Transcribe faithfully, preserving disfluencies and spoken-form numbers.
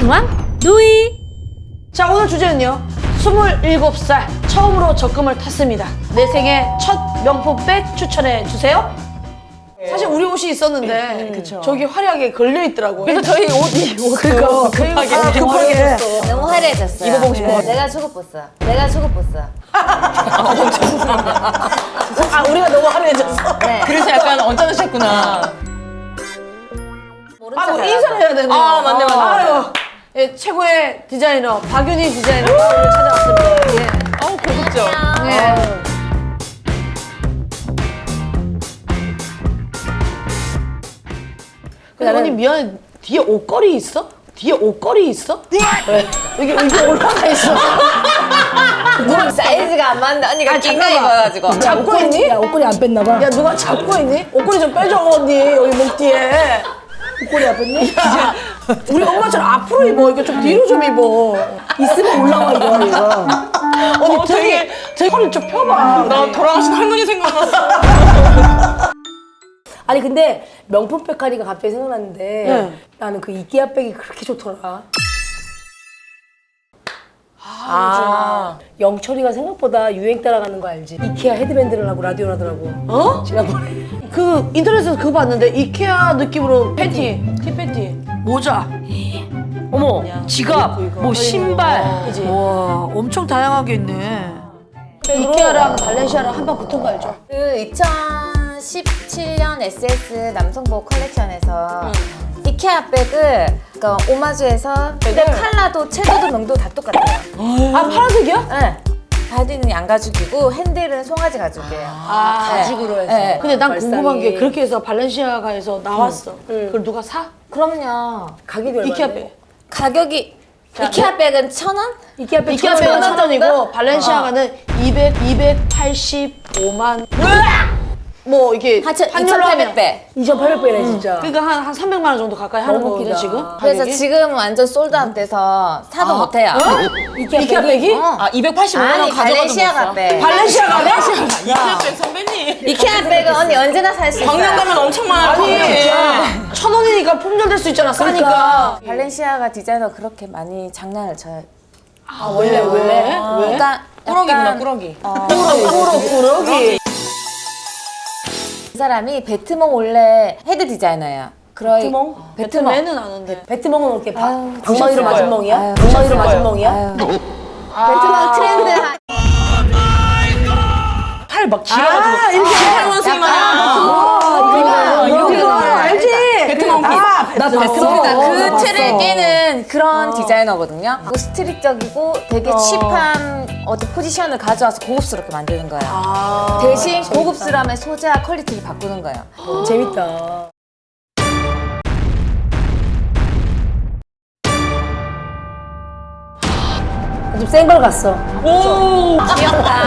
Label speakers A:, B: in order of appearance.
A: 중앙 누이.
B: 자, 오늘 주제는요. 스물일곱 살 처음으로 적금을 탔습니다. 내 생애 첫 명품백 추천해 주세요. 사실 우리 옷이 있었는데
C: 그쵸.
B: 저기 화려하게 걸려 있더라고요.
C: 그래서 저희 옷이
B: 그거
C: 급하게
B: 아, 급하게
D: 너무 화려해졌어요.
C: 입어보고 싶어.
D: 네, 내가 초급보스. 내가 초급보스.
B: 아, 우리가 너무 화려해졌어.
D: 네.
C: 그래서 약간 언짢으셨구나.
D: 모른
B: 아,
D: 척
B: 뭐
D: 해가지고.
B: 인사를 해야 되네요.
C: 아, 맞네, 맞네, 맞네.
B: 아유, 예, 최고의 디자이너 박윤희 디자이너가 오늘 찾아왔습니다. 예.
C: 아우 고급져.
B: 예. 근데 언니 미안해. 뒤에 옷걸이 있어? 뒤에 옷걸이 있어? 왜? 여기 여기 올라가 있어.
D: 누가 사이즈가 안 맞는데 언니가
B: 아,
D: 긴가
B: 잠깐만.
D: 입어가지고.
B: 잡고 있니?
A: 야, 옷걸이 안 뺐나 봐.
B: 야, 누가 잡고 있니? 옷걸이 좀 빼줘, 언니. 여기 목 뒤에. 옷걸이 안 뺐니? 야, 우리 엄마처럼 앞으로 입어. 이거 좀 뒤로 좀 입어. 있으면 올라와, 이거, 이거. 언니,
C: 어,
B: 등이,
C: 되게-
B: 등 허리 좀 펴봐.
C: 나 돌아가신 할머니 생각났어.
A: 아니 근데 명품 백화리가 갑자기 생각났는데
B: 네.
A: 나는 그 이케아 백이 그렇게 좋더라.
C: 아,
A: 영철이가 생각보다 유행 따라가는 거 알지? 이케아 헤드밴드를 하고 라디오를 하더라고.
B: 어?
A: 지난번에.
B: 그, 인터넷에서 그거 봤는데, 이케아 느낌으로 팬티, 티팬티, 모자.
E: 어머, 지갑, 뭐 신발.
B: 그지?
E: 와, 엄청 다양하게 있네.
B: 이케아랑 발렌시아랑 한 번 붙은 거 알죠?
D: 그 이천십칠 년 에스에스 남성복 컬렉션에서 이케아 백을 그러니까 오마주에서 근데 컬러도 채도도 명도 다 똑같아요.
B: 아, 파란색이야?
D: 네. 바디는 양가죽이고 핸들은 송아지 가죽이에요.
B: 아,
D: 네.
A: 가죽으로 해서.
D: 네.
B: 근데 난
A: 발상이.
B: 궁금한 게 그렇게 해서 발렌시아가에서 나왔어.
A: 응.
B: 그걸 누가 사?
D: 그럼요.
A: 가격이 얼마인데?
B: 이케아 백.
D: 가격이 이케아 백은 천 원?
A: 이케아 백
B: 이케아
A: 천
B: 백은
A: 원.
B: 천 원이고 발렌시아가는 이백, 이백팔십오만. 뭐 이게
D: 하천
B: 환율로 하면
D: 이천팔백 배.
A: 이천팔백 배네 진짜.
B: 그러니까 한, 한 삼백만 원 정도 가까이 하는
A: 너무
B: 거거든
A: 웃기다.
B: 지금.
D: 그래서
B: 가격이?
D: 지금 완전 솔드아웃 돼서 사도 못해요.
A: 이케아,
B: 이케아 백이?
D: 어.
C: 아 이백팔십오 만 원
D: 아니
C: 가져가도
D: 발렌시아가
C: 못 사.
D: 백.
B: 발렌시아가
C: 이케아 백 선배님.
D: 이케아 백은 언니 언제나 살 수 있어요.
C: 광명 가면 엄청 많아.
B: 아니 천 원이니까 품절될 수 있잖아 싸니까.
D: 그러니까 발렌시아가 디자이너 그렇게 많이 장난을 쳐요.
B: 아 원래 왜? 왜?
D: 그러니까
C: 꾸러기구나
D: 약간
C: 꾸러기.
B: 꾸러 꾸러기.
D: 이 사람이 베트몽 원래 헤드 디자이너예요. 그러
A: 베트몽?
D: 베트몽.
B: 배트맨은 아는데.
A: 배트멍은 어떻게 바,
D: 아유,
A: 방망이로
C: 거예요.
A: 맞은 멍이야?
D: 아유,
A: 방망이로 맞은
D: 아유.
A: 멍이야?
D: 아유. 베트몽 트렌드 한
C: 팔 막 길어가지고.
B: 아, 이렇게
C: 할머니 마냥.
B: 아, 이거 이거 알지?
C: 베트남 핏.
A: 나 봤어.
D: 그러니까
A: 어,
D: 그
A: 나
D: 틀을
A: 봤어.
D: 깨는 그런 디자이너거든요. 그 스트릿적이고 되게 칩한 어떤 포지션을 가져와서 고급스럽게 만드는 거예요.
B: 아,
D: 대신 고급스러움의 소재와 퀄리티를 바꾸는 거예요.
A: 재밌다. 좀 센 걸 갔어.
C: 오.
D: 귀엽다.